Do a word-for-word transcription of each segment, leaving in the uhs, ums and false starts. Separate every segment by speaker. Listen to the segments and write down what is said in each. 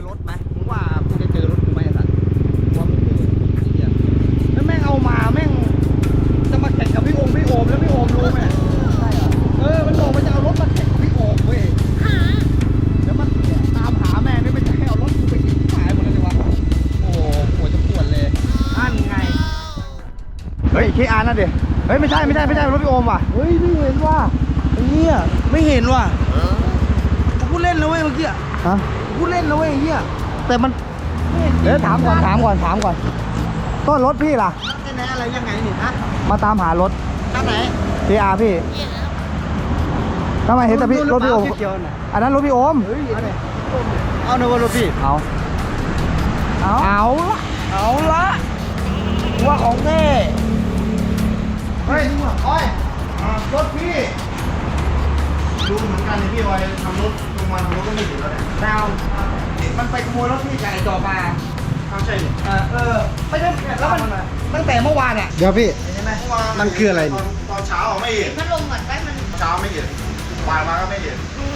Speaker 1: รถไหมมึงว่ากูจะเจอรถกูไหมไอ้สัตว์ว่าไม่เจอไอ้เหี้ยแล้วแม่งเอามาแม่งจะมาแข่งกับพี่โอมพี่โอมแล้วพี่โอมรู้ไหมใช่เหรอเออมันบอกมันจะเอารถมาแข่งกับพี่โอมเว้ยแล้วมันตามหาแม่ไม่เป็นจะให้เอารถกูไปกินขายหมดเลยดีวะโอ้โหปวดจะปวดเลยอันไงเฮ้ยเคอาร์นั่นดิเฮ้ยไม่ใช่ไม่ใช่ไม่ใช่รถพี่โอมว่ะเฮ้ยไม่เห็นว่ะไอ้เหี้ยไม่เห็นว่ะกูเล่นนะเว้ยเมื่อกี้ฮะกูเล่นนะเว้ยไอ้เหี้ยแต่มันเดี๋ยวถามก่อนถามก่อนถามก่อนต้นรถพี่ล่ะแน่อะไรยังไงนี่ฮะมาตามหารถข้างไหนเคอาร์พี่ทำไมเห็นแต่พี่รถพี่โอมอันนั้นรถพี่โอมเอาเนอะว่ารถพี่เอาเอาเอาละเอาละว่าของแน่เฮ้ยโอ้ยรถพี่ดูเหมือนกันเลยพี่ออยทำรถลงมาทำรถก็ไม่ถึงแล้วเนี่ยดาวมันไปขโมยรถพี่จากไอ้จอมาใช่เออเออไม่ใช่แล้วมันตั้งแต่เมื่อวานเนี่ยเดี๋ยวพี่มันคืออะไรตอนเช้าไม่เห็นพัดลมเหมือนไปมันเช้าไม่เห็นบ่ายมาก็ไม่เห็น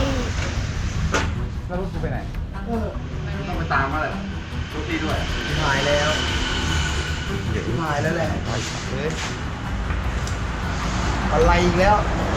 Speaker 1: แล้วรถกูไปไหนต้องไปตามมาเลยรถพี่ด้วยหายแล้วหายแล้วแหละอะไรอีกแล้ว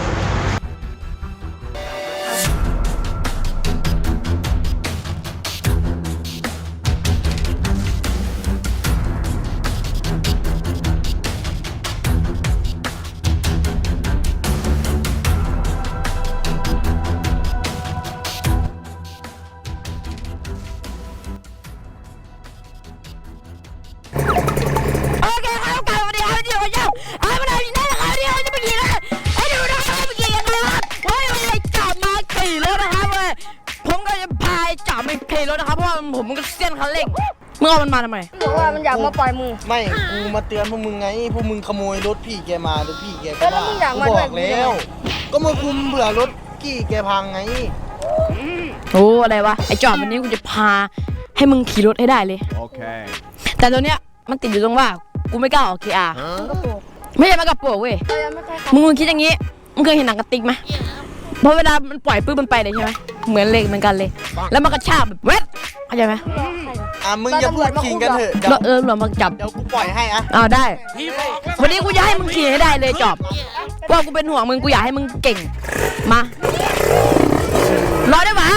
Speaker 2: รถนะครับเพราะว่าผมมันก็เสี้ยนคันเร่งมึงเอามันมาทำไม
Speaker 3: บอกว่ามันอยากมาปล่อยมือ
Speaker 1: ไม่กูมาเตือนพวกมึงไงพวกมึงขโมยรถพี่แกมารถพี่แกก็
Speaker 3: แล้วมึงอยากมา
Speaker 1: บอกแล้วก็มาคุมเบื่อรถกี้แกพังไง
Speaker 2: โอ้อะไรวะไอจอบวันนี้กูจะพาให้มึงขี่รถให้ได้เลยโอเคแต่ตัวเนี้ยมันติดอยู่ตรงว่ากูไม่กล้าออก เค อาร์ ไม่ใช่มากระโปรงเว้ยมึงมึงคิดอย่างงี้มึงเคยเห็นหนังกระติกไหมพอเวลามันปล่อยปื้มมันไปเลยใช่ไหมเหมือนเหล็กเหมือนกันเลยแล้วมันกระชากแบบเวทเข้าใจไหม
Speaker 1: อ่ะมึงอย่าพูดขิงกันเถอะ
Speaker 2: เออหลวงมาจับ
Speaker 1: เดี๋ยวกูปล่อยให้อ่ะ
Speaker 2: อ้าวได้วันนี้กูจะให้มึงขี่ให้ได้เลยจอบเพราะกูเป็นห่วงมึงกูอยากให้มึงเก่งมารอได้ปะ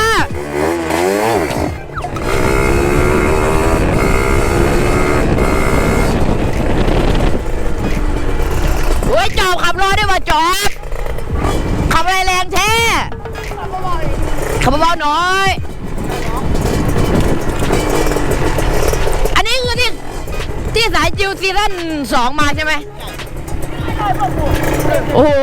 Speaker 2: โอ้ยจอบขับรอได้ปะจอบขับอะไรแรงแท้ขับเบาๆหน่อยอันนี้คือที่ที่สายจิวซีซั่นสองมาใช่ไหมโอ้โห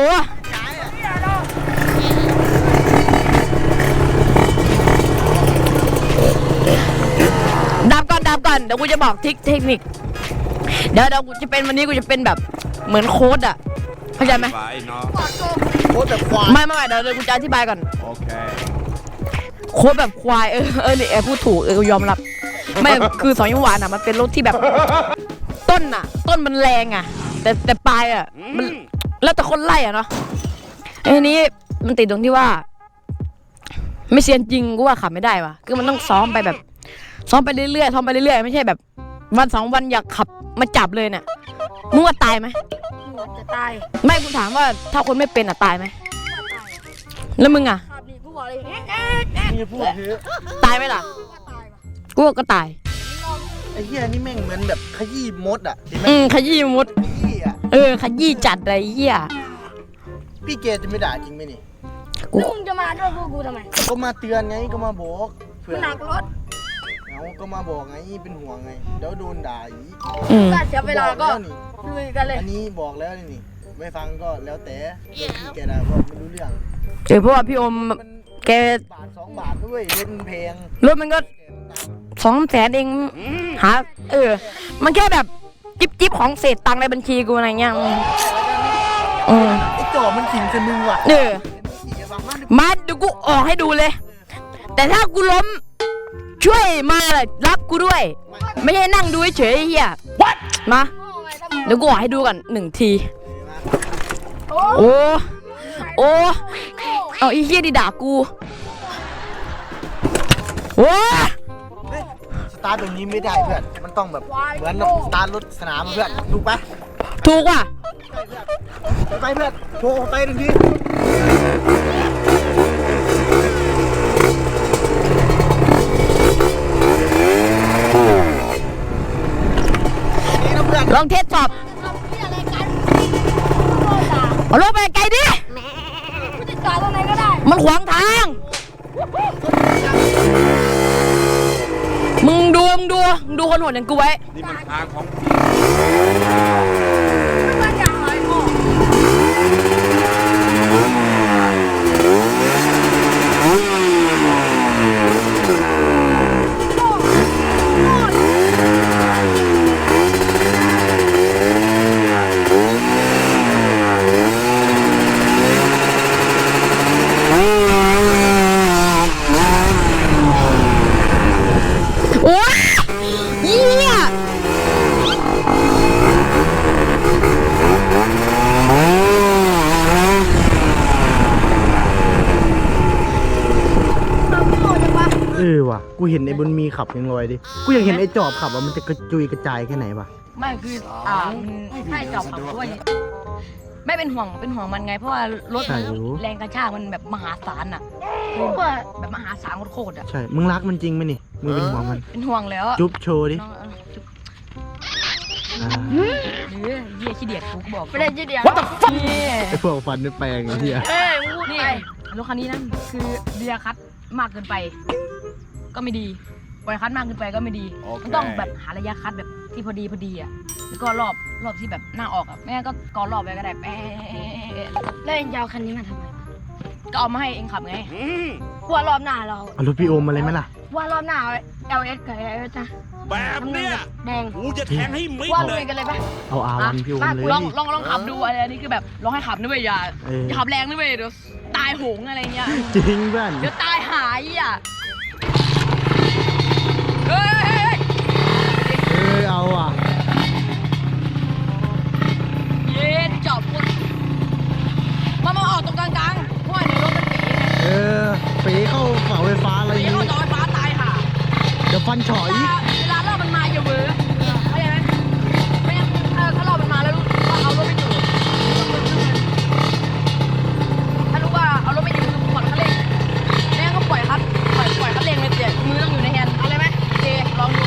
Speaker 2: ดับก่อนดับก่อนเดี๋ยวกูจะบอกทิคเทคนิคเดี๋ยวเดี๋ยวกูจะเป็นวันนี้กูจะเป็นแบบเหมือนโค้ดอะเข้าใจไหม
Speaker 1: โค้ดแบบควาย
Speaker 2: ไม่ไม่เดี๋ยวเดี๋ยวกูจะอธิบายก่อนโอเคโค้ดแบบควายเออเออเนี่ยพูดถูกเออยอมรับไม่คือสองยี่หวานอะมันเป็นรถที่แบบต้นอะต้นมันแรงอะแต่แต่ปลายอะมันแล้วแต่คนไล่อะเนาะไอ้นี้มันติดตรงที่ว่าไม่เซียนจริงกูว่าขับไม่ได้ว่ะคือมันต้องซ้อมไปแบบซ้อมไปเรื่อยๆซ้อมไปเรื่อยๆไม่ใช่แบบวันสองวันอยากขับมาจับเลยเนี่ยมึงว่าตายไหม
Speaker 3: จะตาย
Speaker 2: ไม่กูถามว่าถ้าคนไม่เป็นอะตายไหมแล้วมึงอะตายไหมล่ะกูก็ตาย
Speaker 1: ไอ้เหี้ยนี่แม่งเหมือนแบบขยี้มดอ่ะ
Speaker 2: อืมขยี้มดเออขยี้จัดอะไรเหี้ย
Speaker 1: พี่เกจะไม่ด่าจริงไหมนี่
Speaker 3: กูมึงจะมาด้วยพวกกูทำไม
Speaker 1: ก็มาเตือนไงก็มาบอก
Speaker 3: เผื่อหนักรถ
Speaker 1: เอาก็มาบอกไงเป็นห่วงไงเดี๋ยวโดนด่าอีก
Speaker 3: ก็เสียเวลาก็ลุยกันเลย
Speaker 1: อันนี้บอกแล้วนี่ไม่ฟังก็แล้วแต่พี่แกด่าก็ไม่รู้เรื่อง
Speaker 2: เออเพราะว่าพี่อมแก
Speaker 1: บาทสองบาทด้วยเล่นเพลง
Speaker 2: รถมันก็สองแสนเองหาเออมันแค่แบบจิ๊บจิ๊บของเศษตังค์ในบัญชีกูอะไรเงี้ยอืม
Speaker 1: ไอ้จ่อมันขิงจะมึงว่ะ
Speaker 2: เออมาเดี๋ยวกูออกให้ดูเลยแต่ถ้ากูล้มช่วยมารับกูด้วยไม่ใช่นั่งดูเฉยๆเฮียมาเดี๋ยวกูออกให้ดูกันหนึ่งทีโอ้โอ้เอาไอ้เฮียดิด่ากูโอ้
Speaker 4: ตาร์ทตรงนี้ไม่ได้เพื่อนมันต้องแบบเหมือนแบบสตาร์ทรถสนามเพื่อนถูกปะ
Speaker 2: ถูกว่ะ
Speaker 4: ไปเพื่อนโชว์ไปหนึ่งทีนี่นะเพื่อน
Speaker 2: ลองเทสสอบ
Speaker 3: ทำที่อะไรกันโง่ด่า
Speaker 2: เอารถไปไกลดิ
Speaker 3: กูจะจอดตรงไหนก็ได้
Speaker 2: มันขวางทาง มึงดู มึงดูมึงดูคนโหดอย่างกูไว้
Speaker 5: นี่มันทางของ
Speaker 3: มันจะหายโง่
Speaker 2: โอ้ยเยี่ย
Speaker 3: ทำโง่จังวะ
Speaker 4: เออว่ะกูเห็นไอ้บนมีขับยังลอยดิกูอยากเห็นไอ้จอบขับอ่ะมันจะกระจุยกระจายแค่ไหนวะ
Speaker 2: ไม่คืออ่าใช่จอบขับด้วยไม่เป็นห่วงเป็นห่วงมันไง เพราะว่ารถมันแรงกระชากมันแบบมหาศาลอ่ะแบบมหาศาลโคตรๆอ่ะ
Speaker 4: ใช่มึงรักมันจริงไหมนี่มึงเป็นห่วงมัน
Speaker 2: เป็นห่วงแล้ว
Speaker 4: จุ๊บโชว์ดิ
Speaker 2: น้องเอาจุ๊บ
Speaker 4: อ่า
Speaker 2: หรือเยี่ยขี้เดียดกูบอก
Speaker 3: ไม่ได้จะเดียว
Speaker 2: นี่
Speaker 4: ไอ้พวกฟันในแปลงไอ้เหี้ย
Speaker 3: เอ้ยมึงพูด
Speaker 2: นี่
Speaker 3: ไป
Speaker 2: รถคันนี้นั่นคือเดียคัดมากเกินไป ก็ไม่ดีปล่อยคัดมากเกินไปก็ไม่ดี มันต้องแบบหาระยะคัดแบบที่พอดีพอดีอ่ะแล้วก็รอบรอบที่แบบหน้าออกอ่ะแม่ก็กอรอบไปก็ได้แป๊ะ
Speaker 3: แล้วเองจะเอาคันนี้มาทำไม
Speaker 2: ก็เอามาให้เองขับไง
Speaker 3: กลัวรอบหน้าเรา
Speaker 4: เอารถพี่โอมมาเลยไหมล่ะ
Speaker 3: ว่ารอบหน้าเอา แอล เอส กับ แอล เอส นะ
Speaker 5: แบบเนี้ย
Speaker 3: แดง
Speaker 5: กูจะแทงให้มิด
Speaker 3: ว่า
Speaker 5: เล
Speaker 3: ลุ
Speaker 5: ย
Speaker 3: ยกันเลยปะ
Speaker 4: เอาอาวันพี่โอมเลย
Speaker 2: ลองลองลองขับดูอะไรอันนี้คือแบบลองให้ขับนะเว้ยอย่า
Speaker 4: เออ
Speaker 2: อย่าขับแรงนะเว้ยเดี๋ยวตายโหงอะไรเงี้ย
Speaker 4: จริงเพื่อน
Speaker 2: เดี๋ยวตายหายอ่ะเฮ้ย
Speaker 4: เออเอาอ่ะ
Speaker 2: เย็นจอบคนมามาออกตรงกลางๆเพราะว่าเดี๋ยวรถมันเป๋ไง
Speaker 4: เออปีเข้าเสาไฟฟ้าอะไรอ
Speaker 2: เป๋
Speaker 4: ย่าง
Speaker 2: เข้า
Speaker 4: งี้
Speaker 2: จอไฟฟ้าตายห่า
Speaker 4: เดี๋ยวฟันเฉาะ
Speaker 2: เว
Speaker 4: อีก
Speaker 2: ลาเวลารอบมันมาอย่าเวอร์เข้าใจไหมไม่งั้นเออถ้ารอบมันมาแล้วรู้ว่าเอารถไม่อยู่ถ้ารู้ว่าเอารถไม่อยู่คือผ่อนคันเร่งไม่งั้นก็ปล่อยคัดปล่อยปล่อยคันเร่งเลยเดี๋ยวมือต้องอยู่ในแฮนด์เอาเลยไหมโอเคลองดู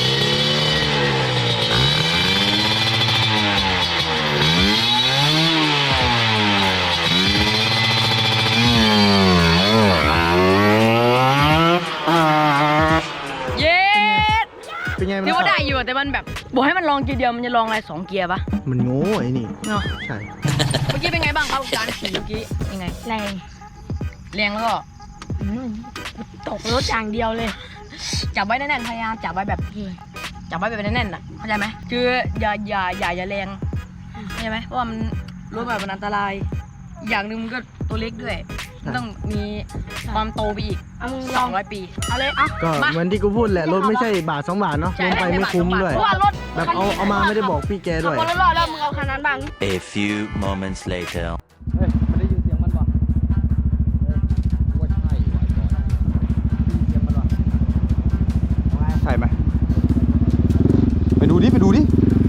Speaker 2: เย้
Speaker 4: เป็นไงมัน
Speaker 2: ถือว่า
Speaker 4: ขั
Speaker 2: ได้
Speaker 4: บ
Speaker 2: อยู่แต่มันแบบบอกให้มันลองเกียร์เดียวมันจะลองอะไรสองเกียร์ปะ
Speaker 4: มันโง่ไอ้นี่
Speaker 2: เนาะ
Speaker 4: ใช่
Speaker 2: เมื่อกี้เป็นไงบ้างครับการขี่เมื่อกี้ยังไง
Speaker 3: แรง
Speaker 2: แรงแล้วก็
Speaker 3: อืมตกรถอย่างเดียวเลย
Speaker 2: จับไว้แน่นๆพยายามจับไว้แบบจับไว้แบบแน่นๆอ่ะเข้าใจไหมคืออย่าอย่าอย่าอย่าแรงเข้าใจไหมเพราะว่ามันรถแบบมันอันตรายอีกอย่างหนึ่งมันก็ตัวเล็กด้วยมันต้องมีความโตไปอีก
Speaker 3: เอามึงล
Speaker 2: ส
Speaker 3: อ
Speaker 2: อง งร้อยปี
Speaker 3: เอาเลยเอา
Speaker 4: ก็
Speaker 2: มา
Speaker 4: เหมือนที่กูพูดแหละรถไม่ใช่บาทสองบาทเนาะ
Speaker 2: ใช่
Speaker 4: ลงไปไม่คุ้มด้วย
Speaker 3: เพราะว่ารถ
Speaker 4: แบบเอาเอามาไม่ได้บอกพี่แกด้วย
Speaker 3: ขับคนละรอบแล้วมึงเอาคันนั้นบ้าง
Speaker 6: A few moments later.
Speaker 1: เฮ้ยมันได้ยินเสียงมันป่ะเฮ้ยว่าใช่ว่ะจอดได้ยินเสียงมันป่ะใช่ไหมไปดูดิไปดูดิ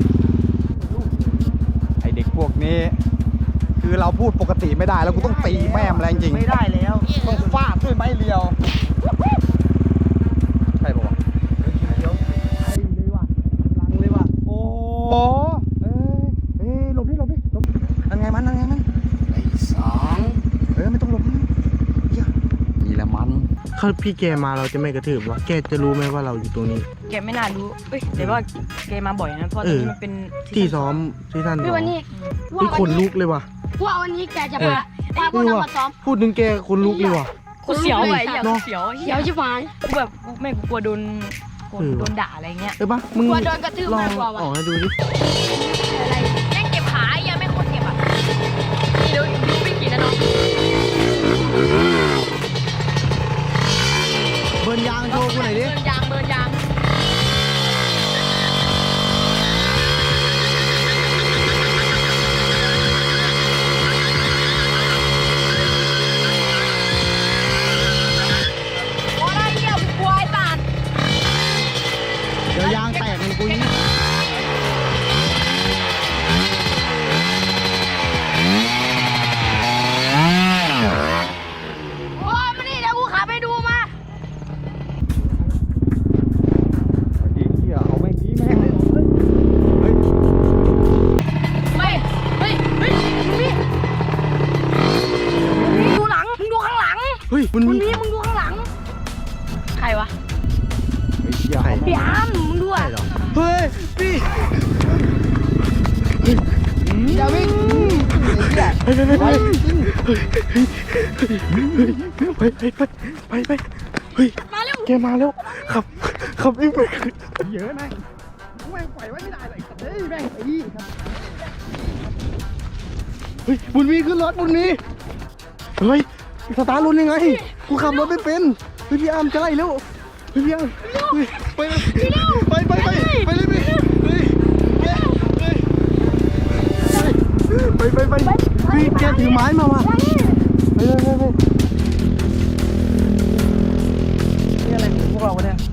Speaker 1: ไอเด็กพวกนี้ คือเราพูดปกติไม่ได้แล้วกูต้องตีแม่มแรงจริง
Speaker 4: ไม่ได้แล้ว
Speaker 1: ต้องฟาดด้วยไม้เรียว ใช่ปะวะ
Speaker 4: ไอ้เลยว่ะลังเลยว่ะ
Speaker 1: โอ้โหเอ้ยเอ้ยหลบดิหลบดิหลบนั่นไงมันนั่นไงมันไอ้สองเอ้ยไม่ต้องหลบนะเหี้ยนี่แหละมัน
Speaker 4: ถ้าพี่แกมาเราจะไม่กระทืบวะแกจะรู้ไหมว่าเราอยู่ตรงนี้
Speaker 2: แกไม่น่ารู้เอ้ยแต่ว่าแกมาบ่อยนะเพราะต
Speaker 4: เอ
Speaker 2: อน
Speaker 4: อ
Speaker 2: นี้มันเป็น
Speaker 4: ที่ซ้อมที่ท่าน
Speaker 3: พี่วันนี้
Speaker 4: พี่ขนลุกเลยว่ะ
Speaker 3: ว่าวันนี้แกจะพาพาพวก
Speaker 4: นี่
Speaker 3: เรา
Speaker 4: ว่ะ
Speaker 3: มาซ้อม
Speaker 4: พูดถึงแกขนลุกเลยว่ะ
Speaker 2: กูเสียวไอ้อย่าง
Speaker 4: เนอะ
Speaker 2: เสียว
Speaker 3: เขียวชิบหาย
Speaker 2: กูแบบกูไม่กูกลัวโดนกลัว
Speaker 4: เออ
Speaker 2: โดนด่าอะไรเงี้ย
Speaker 4: เออปะมึง
Speaker 3: กลัวโดนกระทืบ
Speaker 4: ลอ
Speaker 3: มาง กกว่าวะ
Speaker 4: ออกให้ดูดิ
Speaker 3: อะไร
Speaker 2: แม่งเก็บขายังไม่คนเก็บอ่ะนี่ดูดูไม่กี่นะน้อง
Speaker 4: เบิร์นยางโชว์กูหน่อยดิ
Speaker 2: เบิร์นยางเบิร์นยางโอ้ยเหี้ยกูกลัวไอ้สัตว์
Speaker 3: วะ
Speaker 4: ใหญ่
Speaker 3: พี่อ้ามมึงดูอ่ะ
Speaker 4: เหรอ
Speaker 1: เฮ้ยพี่อย่าวิ่งไอ้เหี้ย
Speaker 4: ไปไปไปไปไปไปไปเฮ้ย
Speaker 3: มาเร็ว
Speaker 4: แกมาแล้วขับขับวิ่งไป
Speaker 1: เยอะนะแม่งปล่อยไว้ไม่ได้เลยเฮ้ยแม่งไอ้นี่ครับ
Speaker 4: เฮ้ยบุญมีขึ้นรถบุญมีเฮ้ยสตาร์ทรถยังไงกูขับรถไม่เป็นเฮ้ยพี่อาร์มจะไล่แล้วเฮ้ยพี่อาร์มเฮ้ยไปเลยไปไปไปไปเลยพี่เฮ้ยไปไปไปพี่แกถือไม้มาว่ะไปเลยไปไป
Speaker 1: นี่อะไรของพวกเราวะเนี่ย